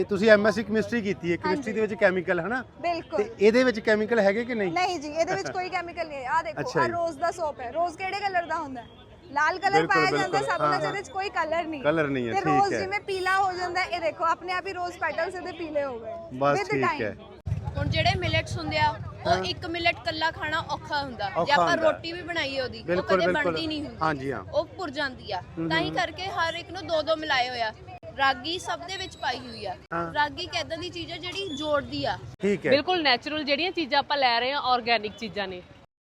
ਤੁਸੀਂ MSc chemistry ਕੀਤੀ ਹੈ, ਕੈਮਿਸਟਰੀ ਦੇ ਵਿੱਚ ਕੈਮੀਕਲ ਹੈ ਨਾ? ਬਿਲਕੁਲ। ਤੇ ਇਹਦੇ ਵਿੱਚ ਕੈਮੀਕਲ ਹੈਗੇ ਕਿ ਨਹੀਂ? ਨਹੀਂ ਜੀ, ਇਹਦੇ ਵਿੱਚ ਕੋਈ ਕੈਮੀਕਲ ਨਹੀਂ ਹੈ। ਆ ਦੇਖੋ, ਆ ਰੋਜ਼ ਦਾ ਸੋਪ ਹੈ। ਰੋਜ਼ ਕਿਹੜੇ ਕਲਰ ਦਾ ਹੁੰਦਾ ਹੈ? ਲਾਲ ਕਲਰ ਪਾਇਆ ਜਾਂਦਾ ਸਭ ਨਾਲ, ਜਿਹਦੇ ਵਿੱਚ ਕੋਈ ਕਲਰ ਨਹੀਂ ਹੈ। ਤੇ ਰੋਜ਼ ਜਿਵੇਂ ਪੀਲਾ ਹੋ ਜਾਂਦਾ, ਇਹ ਦੇਖੋ ਆਪਣੇ ਆਪ ਹੀ ਰੋਜ਼ ਪੈਟਲਸ ਇਹਦੇ ਪੀਲੇ ਹੋ ਗਏ ਬਸ ਠੀਕ ਹੈ। ਹੁਣ ਜਿਹੜੇ ਮਿਲਟਸ ਹੁੰਦੇ ਆ, ਉਹ ਇੱਕ ਮਿਲਟ ਕੱਲਾ ਖਾਣਾ ਔਖਾ ਹੁੰਦਾ। ਜੇ ਆਪਾਂ ਰੋਟੀ ਵੀ ਬਣਾਈਏ ਉਹਦੀ, ਉਹ ਕਦੇ ਬਣਦੀ ਨਹੀਂ ਹੁੰਦੀ। ਹਾਂਜੀ ਹਾਂ, ਉਹ ਭੁਰ ਜਾਂਦੀ ਆ। ਤਾਂ ਹੀ ਕਰਕੇ ਹਰ ਇੱਕ ਨੂੰ ਦੋ ਦੋ ਮਿਲਾਏ ਹੋਇਆ। ਰਾਗੀ ਸਭ ਦੇ ਵਿੱਚ ਪਾਈ ਹੋਈ ਆ। ਰਾਗੀ ਇੱਕ ਏਦਾਂ ਦੀ ਚੀਜ਼ ਆ ਜਿਹੜੀ ਜੋੜਦੀ ਆ। ਠੀਕ ਹੈ, ਬਿਲਕੁਲ ਨੈਚੁਰਲ ਜਿਹੜੀਆਂ ਚੀਜ਼ਾਂ ਆਪਾਂ ਲੈ ਰਹੇ ਹਾਂ, ਆਰਗੈਨਿਕ ਚੀਜ਼ਾਂ ਨੇ।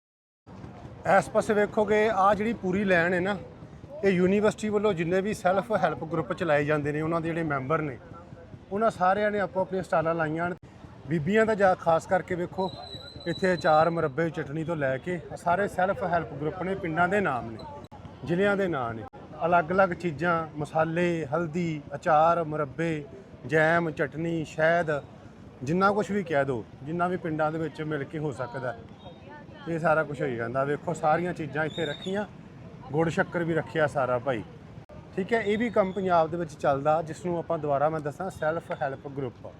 ਇਸ ਪਾਸੇ ਵੇਖੋਗੇ ਆ ਜਿਹੜੀ ਪੂਰੀ ਲਾਈਨ ਹੈ ਨਾ, ਇਹ ਯੂਨੀਵਰਸਿਟੀ ਵੱਲੋਂ ਜਿੰਨੇ ਵੀ ਸੈਲਫ ਹੈਲਪ ਗਰੁੱਪ ਚਲਾਏ ਜਾਂਦੇ ਨੇ, ਉਹਨਾਂ ਦੇ ਜਿਹੜੇ ਮੈਂਬਰ ਨੇ, ਉਹਨਾਂ ਸਾਰਿਆਂ ਨੇ ਆਪੋ ਆਪਣੀਆਂ ਸਟਾਲਾਂ ਲਾਈਆਂ। ਬੀਬੀਆਂ ਦਾ ਜਾ ਖਾਸ ਕਰਕੇ ਵੇਖੋ, ਇੱਥੇ ਅਚਾਰ, ਮੁਰੱਬੇ, ਚਟਨੀ ਤੋਂ ਲੈ ਕੇ ਸਾਰੇ ਸੈਲਫ ਹੈਲਪ ਗਰੁੱਪ ਨੇ। ਪਿੰਡਾਂ ਦੇ ਨਾਮ ਨੇ, ਜ਼ਿਲ੍ਹਿਆਂ ਦੇ ਨਾਂ ਨੇ, ਅਲੱਗ-ਅਲੱਗ ਚੀਜ਼ਾਂ, ਮਸਾਲੇ, ਹਲਦੀ, ਅਚਾਰ, ਮੁਰੱਬੇ, ਜੈਮ, ਚਟਨੀ, ਸ਼ਹਿਦ, ਜਿੰਨਾ ਕੁਝ ਵੀ ਕਹਿ ਦਿਓ, ਜਿੰਨਾ ਵੀ ਪਿੰਡਾਂ ਦੇ ਵਿੱਚ ਮਿਲ ਕੇ ਹੋ ਸਕਦਾ, ਇਹ ਸਾਰਾ ਕੁਝ ਹੋਈ ਜਾਂਦਾ। ਵੇਖੋ ਸਾਰੀਆਂ ਚੀਜ਼ਾਂ ਇੱਥੇ ਰੱਖੀਆਂ, ਗੁੜ ਸ਼ੱਕਰ ਵੀ ਰੱਖਿਆ ਸਾਰਾ ਭਾਈ। ਠੀਕ ਹੈ, ਇਹ ਵੀ ਕੰਮ ਪੰਜਾਬ ਦੇ ਵਿੱਚ ਚੱਲਦਾ, ਜਿਸ ਨੂੰ ਆਪਾਂ ਦੁਬਾਰਾ ਮੈਂ ਦੱਸਾਂ ਸੈਲਫ ਹੈਲਪ ਗਰੁੱਪ,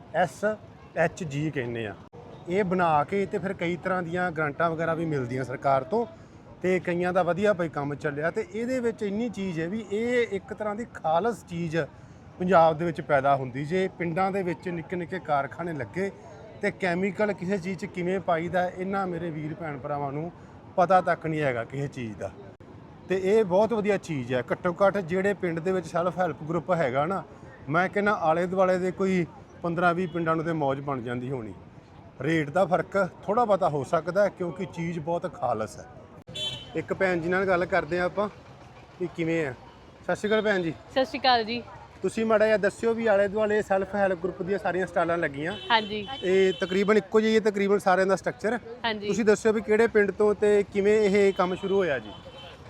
SHG ਕਹਿੰਦੇ ਆ। ਇਹ ਬਣਾ ਕੇ ਤੇ ਫਿਰ ਕਈ ਤਰ੍ਹਾਂ ਦੀਆਂ ਗ੍ਰਾਂਟਾਂ ਵਗੈਰਾ ਵੀ ਮਿਲਦੀਆਂ ਸਰਕਾਰ ਤੋਂ, ਤੇ ਕਈਆਂ ਦਾ ਵਧੀਆ ਭਾਈ ਕੰਮ ਚੱਲਿਆ। ਤੇ ਇਹਦੇ ਵਿੱਚ ਇੰਨੀ ਚੀਜ਼ ਹੈ ਵੀ ਇਹ ਇੱਕ ਤਰ੍ਹਾਂ ਦੀ ਖਾਲਸ ਚੀਜ਼ ਪੰਜਾਬ ਦੇ ਵਿੱਚ ਪੈਦਾ ਹੁੰਦੀ। ਜੇ ਪਿੰਡਾਂ ਦੇ ਵਿੱਚ ਨਿੱਕੇ ਨਿੱਕੇ ਕਾਰਖਾਨੇ ਲੱਗੇ ਤੇ ਕੈਮੀਕਲ ਕਿਸੇ ਚੀਜ਼ 'ਚ ਕਿਵੇਂ ਪਾਈਦਾ, ਇਹਨਾਂ ਮੇਰੇ ਵੀਰ ਭੈਣ ਭਰਾਵਾਂ ਨੂੰ ਪਤਾ ਤੱਕ ਨਹੀਂ ਹੈਗਾ ਕਿਸੇ ਚੀਜ਼ ਦਾ। ਤੇ ਇਹ ਬਹੁਤ ਵਧੀਆ ਚੀਜ਼ ਹੈ। ਘੱਟੋ ਘੱਟ ਜਿਹੜੇ ਪਿੰਡ ਦੇ ਵਿੱਚ ਸੈਲਫ ਹੈਲਪ ਗਰੁੱਪ ਹੈਗਾ ਨਾ, ਮੈਂ ਕਹਿੰਦਾ ਆਲੇ ਦੁਆਲੇ ਦੇ ਕੋਈ 15-20 ਪਿੰਡਾਂ ਨੂੰ ਤੇ ਮੌਜ ਬਣ ਜਾਂਦੀ ਹੋਣੀ। ਰੇਟ ਦਾ ਫਰਕ ਥੋੜਾ ਬਹੁਤਾ ਹੋ ਸਕਦਾ, ਕਿਉਂਕਿ ਚੀਜ਼ ਬਹੁਤ ਖਾਲਸ ਹੈ। ਇੱਕ ਭੈਣ ਜੀ ਨਾਲ ਗੱਲ ਕਰਦੇ ਆ ਆਪਾਂ ਕਿ ਕਿਵੇਂ ਆ। ਸਤਿ ਸ਼੍ਰੀ ਅਕਾਲ ਭੈਣ ਜੀ। ਸਤਿ ਸ਼੍ਰੀ ਅਕਾਲ ਜੀ। ਤੁਸੀਂ ਮਾੜਾ ਜਿਹਾ ਦੱਸਿਓ ਵੀ ਆਲੇ ਦੁਆਲੇ ਸੈਲਫ ਹੈਲਪ ਗਰੁੱਪ ਦੀਆਂ ਸਾਰੀਆਂ ਸਟਾਲਾਂ ਲੱਗੀਆਂ। ਹਾਂਜੀ। ਇਹ ਤਕਰੀਬਨ ਇੱਕੋ ਜਿਹੀ ਹੈ, ਤਕਰੀਬਨ ਸਾਰਿਆਂ ਦਾ ਸਟਰਕਚਰ। ਹਾਂਜੀ। ਤੁਸੀਂ ਦੱਸਿਓ ਵੀ ਕਿਹੜੇ ਪਿੰਡ ਤੋਂ ਤੇ ਕਿਵੇਂ ਇਹ ਕੰਮ ਸ਼ੁਰੂ ਹੋਇਆ ਜੀ?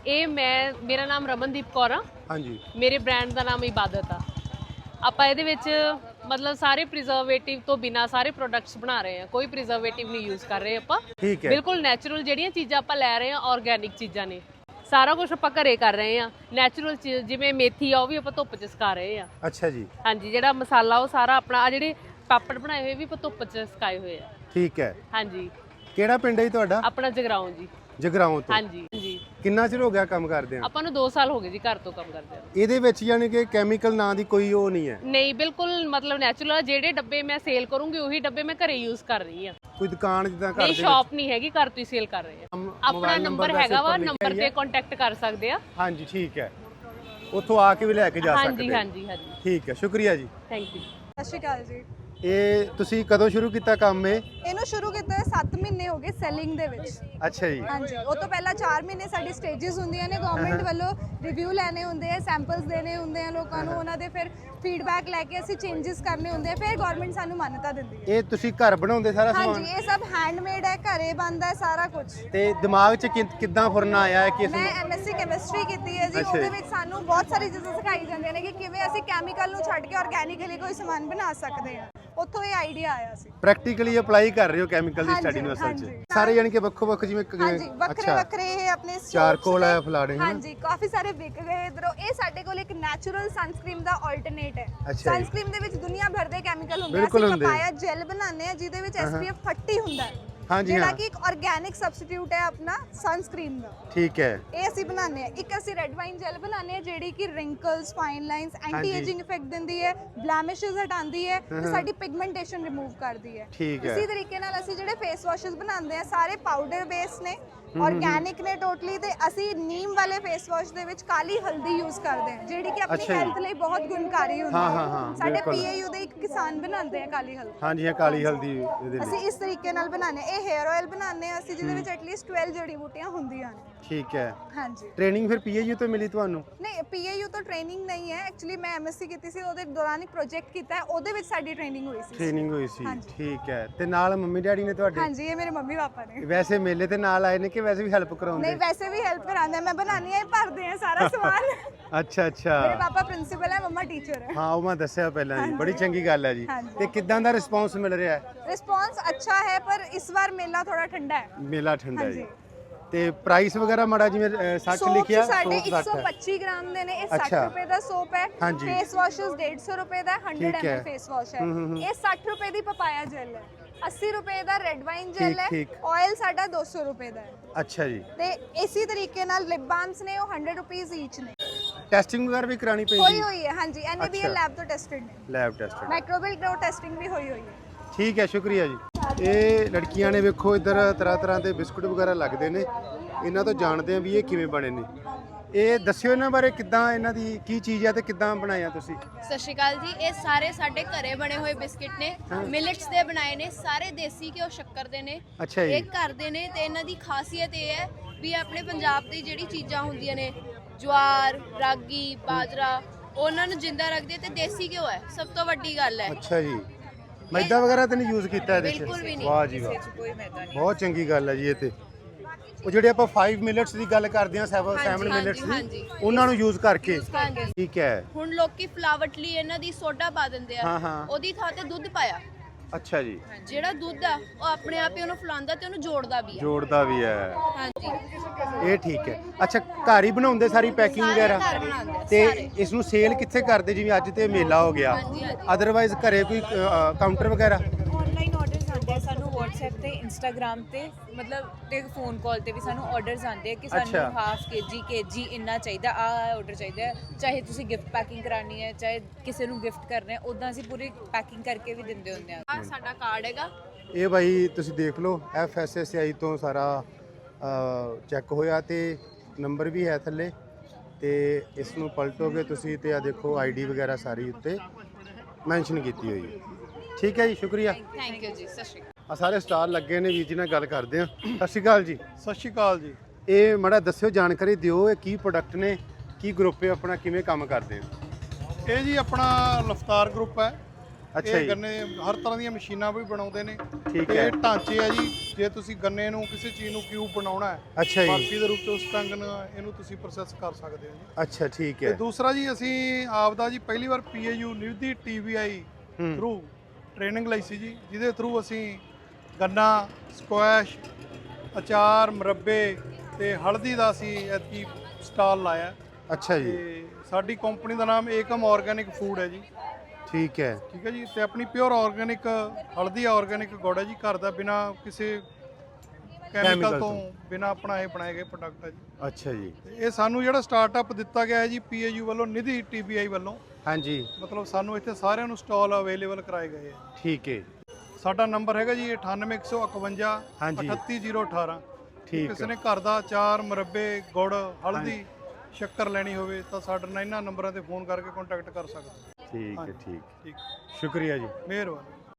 ਮੇਰਾ ਨਾਮ ਰਮਨਦੀਪ ਕੌਰ ਆ। ਹਾਂਜੀ। ਮੇਰੇ ਬ੍ਰਾਂਡ ਦਾ ਨਾਮ ਇਬਾਦਤ ਆ। ਆਪਾਂ ਇਹਦੇ ਵਿੱਚ ਮਤਲਬ ਸਾਰੇ ਪ੍ਰੀਜ਼ਰਵੇਟਿਵ ਤੋਂ ਬਿਨਾ ਸਾਰੇ ਪ੍ਰੋਡਕਟਸ ਬਣਾ ਰਹੇ ਹਾਂ। ਕੋਈ ਪ੍ਰੀਜ਼ਰਵੇਟਿਵ ਨਹੀਂ ਯੂਜ਼ ਕਰ ਰਹੇ ਆਪਾਂ। ਠੀਕ ਹੈ, ਬਿਲਕੁਲ ਨੈਚੁਰਲ ਜਿਹੜੀਆਂ ਚੀਜ਼ਾਂ ਆਪਾਂ ਲੈ ਰਹੇ ਹਾਂ, ਆਰਗੈਨਿਕ ਚੀਜ਼ਾਂ ਨੇ। ਸਾਰਾ ਕੁਝ ਆਪਾਂ ਘਰੇ ਕਰ ਰਹੇ ਹਾਂ। ਨੈਚੁਰਲ ਚੀਜ਼ ਜਿਵੇਂ ਮੇਥੀ ਆ, ਉਹ ਵੀ ਆਪਾਂ ਧੁੱਪ 'ਚ ਸੁਕਾ ਰਹੇ ਹਾਂ। ਅੱਛਾ ਜੀ। ਹਾਂਜੀ, ਜਿਹੜਾ ਮਸਾਲਾ ਉਹ ਸਾਰਾ ਆਪਣਾ, ਆ ਜਿਹੜੇ ਪਾਪੜ ਬਣਾਏ ਹੋਏ ਵੀ ਆਪਾਂ ਧੁੱਪ 'ਚ ਸੁਕਾਏ ਹੋਏ ਆ। ਠੀਕ ਹੈ। ਹਾਂਜੀ। ਕਿਹੜਾ ਪਿੰਡ ਹੈ ਜੀ ਤੁਹਾਡਾ? ਆਪਣਾ ਜਗਰਾਉਂ ਜੀ। ਜਗਰਾਉਂ ਤੋਂ? ਹਾਂਜੀ ਜੀ। ਕਿੰਨਾ ਚਿਰ ਹੋ ਗਿਆ ਕੰਮ ਕਰਦੇ ਆ? ਆਪਾਂ ਨੂੰ 2 ਸਾਲ ਹੋ ਗਏ ਜੀ ਘਰ ਤੋਂ ਕੰਮ ਕਰਦੇ ਆ। ਇਹਦੇ ਵਿੱਚ ਯਾਨੀ ਕਿ ਕੈਮੀਕਲ ਨਾਂ ਦੀ ਕੋਈ ਉਹ ਨਹੀਂ ਹੈ? ਨਹੀਂ, ਬਿਲਕੁਲ ਮਤਲਬ ਨੈਚੁਰਲ। ਜਿਹੜੇ ਡੱਬੇ ਮੈਂ ਸੇਲ ਕਰੂੰਗੀ ਉਹੀ ਡੱਬੇ ਮੈਂ ਘਰੇ ਯੂਜ਼ ਕਰ ਰਹੀ ਆ। ਕੋਈ ਦੁਕਾਨ ਜਿੱਦਾਂ ਘਰ ਨਹੀਂ, ਦੇ ਸ਼ਾਪ ਨਹੀਂ ਹੈਗੀ, ਘਰ ਤੋਂ ਹੀ ਸੇਲ ਕਰ ਰਹੇ ਆ। ਆਪਣਾ ਨੰਬਰ ਹੈਗਾ ਵਾ, ਨੰਬਰ ਤੇ ਕੰਟੈਕਟ ਕਰ ਸਕਦੇ ਆ। ਹਾਂਜੀ ਠੀਕ ਹੈ, ਉੱਥੋਂ ਆ ਕੇ ਵੀ ਲੈ ਕੇ ਜਾ ਸਕਦੇ। ਹਾਂਜੀ ਹਾਂਜੀ ਹਾਂਜੀ। ਠੀਕ ਹੈ, ਸ਼ੁਕਰੀਆ ਜੀ। Thank you. ਸਤਿ ਸ਼੍ਰੀ ਅਕਾਲ ਜੀ। ਇਹ ਤੁਸੀਂ ਕਦੋਂ ਸ਼ੁਰੂ ਕੀਤਾ ਕੰਮ? ਇਹਨੂੰ ਸ਼ੁਰੂ ਕੀਤਾ 7 ਮਹੀਨੇ ਹੋ ਗਏ ਸੈਲਿੰਗ ਦੇ ਵਿੱਚ। ਅੱਛਾ ਜੀ। ਹਾਂਜੀ, ਉਹ ਤੋਂ ਪਹਿਲਾਂ 4 ਮਹੀਨੇ ਸਾਡੀ ਸਟੇजेस ਹੁੰਦੀਆਂ ਨੇ। ਗਵਰਨਮੈਂਟ ਵੱਲੋਂ ਰਿਵਿਊ ਲੈਣੇ ਹੁੰਦੇ ਆ, ਸੈਂਪਲਸ ਦੇਣੇ ਹੁੰਦੇ ਆ ਲੋਕਾਂ ਨੂੰ, ਉਹਨਾਂ ਦੇ ਫਿਰ ਫੀਡਬੈਕ ਲੈ ਕੇ ਅਸੀਂ ਚੇਂਜਸ ਕਰਨੇ ਹੁੰਦੇ ਆ, ਫਿਰ ਗਵਰਨਮੈਂਟ ਸਾਨੂੰ ਮਾਨਤਾ ਦਿੰਦੀ ਹੈ। ਇਹ ਤੁਸੀਂ ਘਰ ਬਣਾਉਂਦੇ ਸਾਰਾ ਸਮਾਨ? ਹਾਂਜੀ, ਇਹ ਸਭ ਹੈਂਡਮੇਡ ਹੈ, ਘਰੇ ਬਣਦਾ ਹੈ ਸਾਰਾ ਕੁਝ। ਤੇ ਦਿਮਾਗ 'ਚ ਕਿੱਦਾਂ ਫੁਰਨਾ ਆਇਆ ਹੈ ਕਿ ਮੈਂ ਐਮਐਸਸੀ ਕੈਮਿਸਟਰੀ ਕੀਤੀ ਹੈ ਜੀ। ਉਹਦੇ ਵਿੱਚ ਸਾਨੂੰ ਬਹੁਤ ਸਾਰੀ ਚੀਜ਼ਾਂ ਸਿਖਾਈ ਜਾਂਦੀਆਂ ਨੇ ਕਿ ਕਿਵੇਂ ਅਸੀਂ ਕੈਮੀਕਲ ਨੂੰ ਛੱਡ ਕੇ ਆਰਗੈਨਿਕਲੀ ਕੋਈ ਸਮਾਨ ਬਣਾ ਸਕਦੇ ਹਾਂ। ਉੱਥੋਂ ਇਹ ਆਈਡੀਆ ਆਇਆ ਸੀ। ਪ੍ਰੈਕਟੀਕਲੀ ਅਪਲਾਈ ਕਰ ਰਹੇ ਹੋ ਕੈਮੀਕਲ ਦੀ ਸਟੱਡੀ ਨੂੰ ਅਸਲ 'ਚ? ਸਾਰੇ ਯਾਨੀ ਕਿ ਵੱਖੋ ਵੱਖ ਜਿਵੇਂ ਹਾਂਜੀ, ਵੱਖਰੇ ਵੱਖਰੇ ਇਹ ਆਪਣੇ ਚਾਰਕੋਲ ਹੈ, ਫਲਾੜੇ। ਹਾਂਜੀ, ਕਾਫੀ ਸਾਰੇ ਵਿਕ ਗਏ ਇਧਰੋਂ। ਇਹ ਸਾਡੇ ਕੋਲ ਇੱਕ ਨੈਚੁਰਲ ਸਨਸਕ੍ਰੀਮ ਦਾ ਆਲਟਰਨੇਟ ਹੈ। ਸਨਸਕ੍ਰੀਮ ਦੇ ਵਿੱਚ ਦੁਨੀਆ ਭਰ ਦੇ ਕੈਮੀਕਲ ਹੁੰਦੇ ਆ। ਅਸੀਂ ਪਪਾਇਆ ਜੈਲ ਬਣਾਉਂਦੇ ਆ ਜਿਹਦੇ ਵਿੱਚ SPF 30 ਹੁੰਦਾ ਹੈ। ਹਾਂਜੀ, ਜਿਹੜਾ ਕਿ ਇੱਕ ਆਰਗੈਨਿਕ ਸਬਸਟੀਟਿਊਟ ਹੈ ਆਪਣਾ ਸਨਸਕ੍ਰੀਨ ਦਾ। ਠੀਕ ਹੈ। ਇਹ ਅਸੀਂ ਬਣਾਉਂਦੇ ਆ। ਇੱਕ ਅਸੀਂ ਰੈੱਡ ਵਾਈਨ ਜੈਲ ਬਣਾਉਂਦੇ ਆ ਜਿਹੜੀ ਕਿ wrinkles, fine lines, anti ageing effect ਦਿੰਦੀ ਹੈ, ਬਲੈਮਿਸ਼ਸ ਹਟਾਉਂਦੀ ਹੈ ਤੇ ਸਾਡੀ ਪਿਗਮੈਂਟੇਸ਼ਨ ਰਿਮੂਵ ਕਰਦੀ ਹੈ। ਇਸੇ ਤਰੀਕੇ ਨਾਲ ਅਸੀਂ ਜਿਹੜੇ ਫੇਸ ਵਾਸ਼ਸ ਬਣਾਉਂਦੇ ਆ ਸਾਰੇ ਪਾਊਡਰ ਬੇਸ ਨੇ, ਆਰਗੈਨਿਕ ਨੇ ਟੋਟਲੀ। ਤੇ ਅਸੀਂ ਨੀਮ ਵਾਲੇ ਫੇਸ ਵਾਸ਼ ਦੇ ਵਿੱਚ ਕਾਲੀ ਹਲਦੀ ਯੂਜ਼ ਕਰਦੇ ਹਾਂ, ਜਿਹੜੀ ਕਿ ਆਪਣੀ ਹੈਲਥ ਲਈ ਬਹੁਤ ਗੁਣਕਾਰੀ ਹੁੰਦੀ ਹੈ। ਸਾਡੇ PAU ਦੇ ਇੱਕ ਕਿਸਾਨ ਬਣਾਉਂਦੇ ਆ ਕਾਲੀ ਹਲਦੀ। ਹਾਂਜੀ, ਇਹ ਕਾਲੀ ਹਲਦੀ ਅਸੀਂ ਇਸ ਤਰੀਕੇ ਨਾਲ ਬਣਾਉਂਦੇ ਆ। ਇਹ ਹੇਅਰ ਆਇਲ ਬਣਾਉਂਦੇ ਆ ਅਸੀਂ ਜਿਹਦੇ ਵਿੱਚ ਐਟਲੀਸਟ 12 ਜੜੀ ਬੂਟੀਆਂ ਹੁੰਦੀਆਂ ਨੇ। ਠੀਕ ਹੈ। ਹਾਂਜੀ। ਟ੍ਰੇਨਿੰਗ ਫਿਰ PAU ਤੋਂ ਮਿਲੀ ਤੁਹਾਨੂੰ? ਨਹੀਂ, PAU ਤੋਂ ਟ੍ਰੇਨਿੰਗ ਨਹੀਂ ਹੈ। ਐਕਚੁਅਲੀ ਮੈਂ MSc ਕੀਤੀ ਸੀ, ਉਹਦੇ ਦੌਰਾਨ ਇੱਕ ਪ੍ਰੋਜੈਕਟ ਕੀਤਾ ਹੈ, ਉਹਦੇ ਵਿੱਚ ਸਾਡੀ ਟ੍ਰੇਨਿੰਗ ਹੋਈ ਸੀ। ਟ੍ਰੇਨਿੰਗ ਹੋਈ ਸੀ, ਠੀਕ ਹੈ। ਤੇ ਨਾਲ ਮੰਮੀ ਡੈਡੀ ਨੇ ਤੁਹਾਡੇ? ਹਾਂਜੀ, ਇਹ ਮੇਰੇ ਮੰਮੀ ਪਾਪਾ ਨੇ। ਵੈਸੇ ਮੇਲੇ ਤੇ ਨਾਲ ਆਏ ਨੇ ਕਿ ਵੈਸੇ ਵੀ ਹੈਲਪ ਕਰਾਉਂਦੇ? ਨਹੀਂ, ਵੈਸੇ ਵੀ ਹੈਲਪ ਕਰਾਉਂਦੇ। ਮੈਂ ਬਣਾਉਣੀ ਹੈ, ਭਰਦੇ ਆ ਸਾਰਾ ਸਮਾਨ। ਅੱਛਾ ਅੱਛਾ। ਮੇਰੇ ਪਾਪਾ ਪ੍ਰਿੰਸੀਪਲ ਹੈ, ਮੰਮਾ ਟੀਚਰ ਹੈ। ਹਾਂ, ਉਹ ਮੈਂ ਦੱਸਿਆ ਪਹਿਲਾਂ ਜੀ। ਬੜੀ ਚੰਗੀ ਗੱਲ ਹੈ ਜੀ। ਤੇ ਕਿੱਦਾਂ ਦਾ ਰਿਸਪੌਂਸ ਮਿਲ ਰਿਹਾ ਹੈ? ਰਿਸਪੌਂਸ ਅੱਛਾ ਹੈ, ਪਰ ਇਸ ਵਾਰ ਮੇਲਾ ਥੋੜਾ ਠੰਡਾ ਹੈ। ਮੇਲਾ ਠੰਡਾ ਹੈ ਜੀ। ਤੇ ਪ੍ਰਾਈਸ ਵਗੈਰਾ ਮਾੜਾ ਜਿਵੇਂ 60 ਲਿਖਿਆ ਸਾਡੇ 160 ਹੈ 125 ਗ੍ਰਾਮ ਦੇ ਨੇ, ਇਹ 60 ਅੱਛਾ। ਰੁਪਏ ਦਾ ਸੋਪ ਹੈ। ਹਾਂਜੀ। ਫੇਸ ਵਾਸ਼ਸ 150 ਰੁਪਏ ਦਾ, 100 ਠੀਕ ਹੈ। ml ਫੇਸ ਵਾਸ਼ ਹੈ। ਇਹ 60 ਰੁਪਏ ਦੀ ਪਪਾਇਆ ਜੈਲ ਹੈ, 80 ਰੁਪਏ ਦਾ ਰੈੱਡ ਵਾਈਨ ਜੈਲ ਹੈ, ਠੀਕ। ਆਇਲ ਸਾਡਾ 200 ਰੁਪਏ ਦਾ ਹੈ। ਅੱਛਾ ਜੀ। ਤੇ ਇਸੇ ਤਰੀਕੇ ਨਾਲ ਲਿਪ ਬਾਲਮਸ ਨੇ, ਉਹ 100 ਰੁਪੀਸ ਈਚ ਨੇ। ਟੈਸਟਿੰਗ ਵਗੈਰਾ ਵੀ ਕਰਾਣੀ ਹੋਈ ਪੈਂਦੀ ਹੋਈ ਹੈ, ਹਾਂਜੀ, NABL ਅੱਛਾ। ਲੈਬ ਤੋਂ ਟੈਸਟਡ ਨੇ, lab test microbial grow testing ਵੀ ਹੋਈ ਹੋਈ ਹੈ। ਠੀਕ ਹੈ, ਸ਼ੁਕਰੀਆ ਜੀ। ਇਹ ਲੜਕੀਆਂ ਨੇ ਵੇਖੋ ਇੱਧਰ ਤਰ੍ਹਾਂ ਦੇ ਬਿਸਕੁਟ ਵਗੈਰਾ ਲੱਗਦੇ ਨੇ, ਇਹਨਾਂ ਤੋਂ ਜਾਣਦੇ ਆ ਵੀ ਇਹ ਕਿਵੇਂ ਬਣੇ ਨੇ। ਇਹ ਦੱਸਿਓ ਇਹਨਾਂ ਬਾਰੇ, ਕਿੱਦਾਂ ਇਹਨਾਂ ਦੀ ਕੀ ਚੀਜ਼ ਹੈ ਤੇ ਕਿੱਦਾਂ ਬਣਾਇਆ ਤੁਸੀਂ? ਸਤਿ ਸ਼੍ਰੀ ਅਕਾਲ ਜੀ। ਇਹ ਸਾਰੇ ਸਾਡੇ ਘਰੇ ਬਣੇ ਹੋਏ ਬਿਸਕਿਟ ਨੇ, ਮਿਲਟਸ ਦੇ ਬਣਾਏ ਨੇ, ਸਾਰੇ ਦੇਸੀ ਘਿਓ ਸ਼ੱਕਰ ਦੇ ਨੇ। ਅੱਛਾ ਜੀ। ਇਹ ਘਰ ਦੇ ਨੇ ਤੇ ਇਹਨਾਂ ਦੀ ਖਾਸੀਅਤ ਇਹ ਹੈ ਵੀ ਆਪਣੇ ਪੰਜਾਬ ਦੀ ਜਿਹੜੀ ਚੀਜ਼ਾਂ ਹੁੰਦੀਆਂ ਨੇ, ਜਵਾਰ, ਰਾਗੀ, ਬਾਜਰਾ, ਉਹਨਾਂ ਨੂੰ ਜਿੰਦਾ ਰੱਖਦੇ ਤੇ ਦੇਸੀ ਘਿਓ ਹੈ, ਸਭ ਤੋਂ ਵੱਡੀ ਗੱਲ ਹੈ। ਅੱਛਾ ਜੀ। ਮੈਦਾ ਵਗੈਰਾ ਤਾਂ ਨਹੀਂ ਯੂਜ਼ ਕੀਤਾ ਇਹਦੇ ਚ? ਬਿਲਕੁਲ ਵੀ ਨਹੀਂ। ਵਾਹ ਜੀ ਵਾਹ, ਬਹੁਤ ਚੰਗੀ ਗੱਲ ਹੈ ਜੀ। ਇਹ ਤੇ ਉਹ ਜਿਹੜੇ ਆਪਾਂ 5 ਮਿੰਟਸ ਦੀ ਗੱਲ ਕਰਦੇ ਆ, 7 ਮਿੰਟਸ ਹਾਂਜੀ। ਦੀ, ਉਹਨਾਂ ਨੂੰ ਯੂਜ਼ ਕਰਕੇ। ਹਾਂਜੀ। ਠੀਕ ਹੈ। ਹੁਣ ਲੋਕੀ ਫਲਾਵਟ ਲਈ ਇਹਨਾਂ ਦੀ ਸੋਡਾ ਪਾ ਦਿੰਦੇ ਆ, ਹਾਂ, ਹਾਂ। ਉਹਦੀ ਥਾਂ ਤੇ ਦੁੱਧ ਪਾਇਆ। ਅੱਛਾ ਜੀ। ਜਿਹੜਾ ਦੁੱਧ ਆ ਉਹ ਆਪਣੇ ਆਪ ਹੀ ਉਹਨੂੰ ਫਲਾਉਂਦਾ ਤੇ ਉਹਨੂੰ ਜੋੜਦਾ ਵੀ ਆ। ਜੋੜਦਾ ਵੀ ਹੈ। ਹਾਂਜੀ। ਇਹ ਠੀਕ ਹੈ। ਅੱਛਾ, ਘਰ ਹੀ ਬਣਾਉਂਦੇ ਸਾਰੀ ਪੈਕਿੰਗ ਸਾਰੇ ਵਗੈਰਾ ਘਰ ਬਣਾਉਂਦੇ ਆ, ਤੇ ਸਾਰੇ। ਇਸ ਨੂੰ ਸੇਲ ਕਿੱਥੇ ਕਰਦੇ? ਜਿਵੇਂ ਅੱਜ ਤੇ ਮੇਲਾ ਹੋ ਗਿਆ, ਹਾਂਜੀ, ਹਾਂਜੀ। ਅਦਰਵਾਈਜ਼ ਘਰੇ ਕੋਈ ਕਾਊਂਟਰ ਵਗੈਰਾ? ਆਨਲਾਈਨ ਆਰਡਰਸ ਆਉਂਦੇ ਆ ਸਾਨੂੰ WhatsApp ਤੇ Instagram ਤੇ, ਮਤਲਬ ਤੇ ਫੋਨ ਕਾਲ ਤੇ ਵੀ ਸਾਨੂੰ ਆਰਡਰਸ ਆਉਂਦੇ ਆ ਕਿ ਅੱਛਾ। ਸਾਨੂੰ ਹਾਫ kg ਇੰਨਾ ਚਾਹੀਦਾ, ਆ ਆਰਡਰ ਚਾਹੀਦਾ ਹੈ। ਚਾਹੇ ਤੁਸੀਂ ਗਿਫਟ ਪੈਕਿੰਗ ਕਰਾਣੀ ਹੈ, ਚਾਹੇ ਕਿਸੇ ਨੂੰ ਗਿਫਟ ਕਰਨਾ ਹੈ, ਉਦਾਂ ਅਸੀਂ ਪੂਰੀ ਪੈਕਿੰਗ ਕਰਕੇ ਵੀ ਦਿੰਦੇ ਹੁੰਦੇ ਆ। ਆ ਸਾਡਾ ਕਾਰਡ ਹੈਗਾ। ਇਹ ਬਾਈ ਤੁਸੀਂ ਦੇਖ ਲਓ, FSSAI ਤੋਂ ਸਾਰਾ ਚੈੱਕ ਹੋਇਆ ਤੇ ਨੰਬਰ ਵੀ ਹੈ ਥੱਲੇ, ਤੇ ਇਸ ਨੂੰ ਪਲਟੋਗੇ ਤੁਸੀਂ ਤੇ ਆ ਦੇਖੋ ਆਈਡੀ ਵਗੈਰਾ ਸਾਰੀ ਉੱਤੇ ਮੈਂਸ਼ਨ ਕੀਤੀ ਹੋਈ ਹੈ। ਠੀਕ ਹੈ ਜੀ, ਸ਼ੁਕਰੀਆ। ਥੈਂਕ ਯੂ ਜੀ। ਸਤਿ ਸ਼੍ਰੀ ਅਕਾਲ। ਆ ਸਾਰੇ ਸਟਾਲ ਲੱਗੇ ਨੇ, ਵੀਰ ਜੀ ਨਾਲ ਗੱਲ ਕਰਦੇ ਆ। ਸਤਿ ਸ਼੍ਰੀ ਅਕਾਲ ਜੀ। ਸਤਿ ਸ਼੍ਰੀ ਅਕਾਲ ਜੀ। ਇਹ ਮਾੜਾ ਦੱਸਿਓ, ਜਾਣਕਾਰੀ ਦਿਓ, ਇਹ ਕੀ ਪ੍ਰੋਡਕਟ ਨੇ, ਕੀ ਗਰੁੱਪ ਹੈ ਆਪਣਾ, ਕਿਵੇਂ ਕੰਮ ਕਰਦੇ ਆ? ਇਹ ਜੀ ਆਪਣਾ ਲਫਤਾਰ ਗਰੁੱਪ ਹੈ। ਅੱਛਾ ਇਹ ਜੀ। ਗੰਨੇ ਹਰ ਤਰ੍ਹਾਂ ਦੀਆਂ ਮਸ਼ੀਨਾਂ ਵੀ ਬਣਾਉਂਦੇ ਨੇ। ਠੀਕ ਤੇ ਹੈ। ਇਹ ਢਾਂਚੇ ਆ ਜੀ, ਜੇ ਤੁਸੀਂ ਗੰਨੇ ਨੂੰ ਕਿਸੇ ਚੀਜ਼ ਨੂੰ ਕਿਊਬ ਬਣਾਉਣਾ ਹੈ, ਅੱਛਾ ਜੀ। ਬਰਫੀ ਦੇ ਰੂਪ ਚ, ਉਸ ਢੰਗ ਨਾਲ ਇਹਨੂੰ ਤੁਸੀਂ ਪ੍ਰੋਸੈਸ ਕਰ ਸਕਦੇ ਹੋ ਜੀ। ਅੱਛਾ, ਠੀਕ ਤੇ ਹੈ। ਦੂਸਰਾ ਜੀ, ਅਸੀਂ ਆਪਦਾ ਜੀ ਪਹਿਲੀ ਵਾਰ PAU ਨਿਊਦੀ TVI ਥਰੂ ਟ੍ਰੇਨਿੰਗ ਲਈ ਸੀ ਜੀ, ਜਿਹਦੇ ਥਰੂ ਅਸੀਂ ਗੰਨਾ, ਸਕੁਐਸ਼, ਅਚਾਰ, ਮੁਰੱਬੇ ਤੇ ਹਲਦੀ ਦਾ ਅਸੀਂ ਐਤਕੀ ਸਟਾਲ ਲਾਇਆ। ਅੱਛਾ ਜੀ। ਤੇ ਸਾਡੀ ਕੰਪਨੀ ਦਾ ਨਾਮ ਏਕਮ ਆਰਗੈਨਿਕ ਫੂਡ ਹੈ ਜੀ। ਠੀਕ ਹੈ। ਠੀਕ ਹੈ ਜੀ। ਤੇ ਆਪਣੀ ਪਿਓਰ ਆਰਗੈਨਿਕ ਹਲਦੀ ਆਰਗੈਨਿਕ ਗੁੜ ਹੈ ਜੀ, ਘਰ ਦਾ, ਬਿਨਾ ਕਿਸੇ ਕੈਮੀਕਲ ਤੋਂ ਬਿਨਾ ਆਪਣਾ ਇਹ ਬਣਾਏ ਗਏ ਪ੍ਰੋਡਕਟ ਹੈ ਜੀ। ਅੱਛਾ ਜੀ। ਤੇ ਇਹ ਸਾਨੂੰ ਜਿਹੜਾ ਸਟਾਰਟਅਪ ਦਿੱਤਾ ਗਿਆ ਹੈ ਜੀ PAU ਵੱਲੋਂ, ਨਿਧੀ TBI ਵੱਲੋਂ, ਹਾਂਜੀ, ਮਤਲਬ ਸਾਨੂੰ ਇੱਥੇ ਸਾਰਿਆਂ ਨੂੰ ਸਟਾਲ ਅਵੇਲੇਬਲ ਕਰਾਏ ਗਏ ਹੈ। ਠੀਕ ਹੈ। ਸਾਡਾ ਨੰਬਰ ਹੈਗਾ ਜੀ 98151 ਹਾਂਜੀ। 38018। ਠੀਕ ਕਿਸੇ ਨੇ ਘਰ ਦਾ ਅਚਾਰ, ਮੁਰੱਬੇ, ਗੁੜ, ਹਲਦੀ, ਸ਼ੱਕਰ ਲੈਣੀ ਹੋਵੇ ਤਾਂ ਸਾਡੇ ਨਾਲ ਇਹਨਾਂ ਨੰਬਰਾਂ ਤੇ ਫੋਨ ਕਰਕੇ ਕੰਟੈਕਟ ਕਰ ਸਕਦੇ। ਠੀਕ ਹੈ, ਹਾਂਜੀ। ਠੀਕ। ਠੀਕ, ਸ਼ੁਕਰੀਆ ਜੀ। ਮਿਹਰਬਾਨੀ।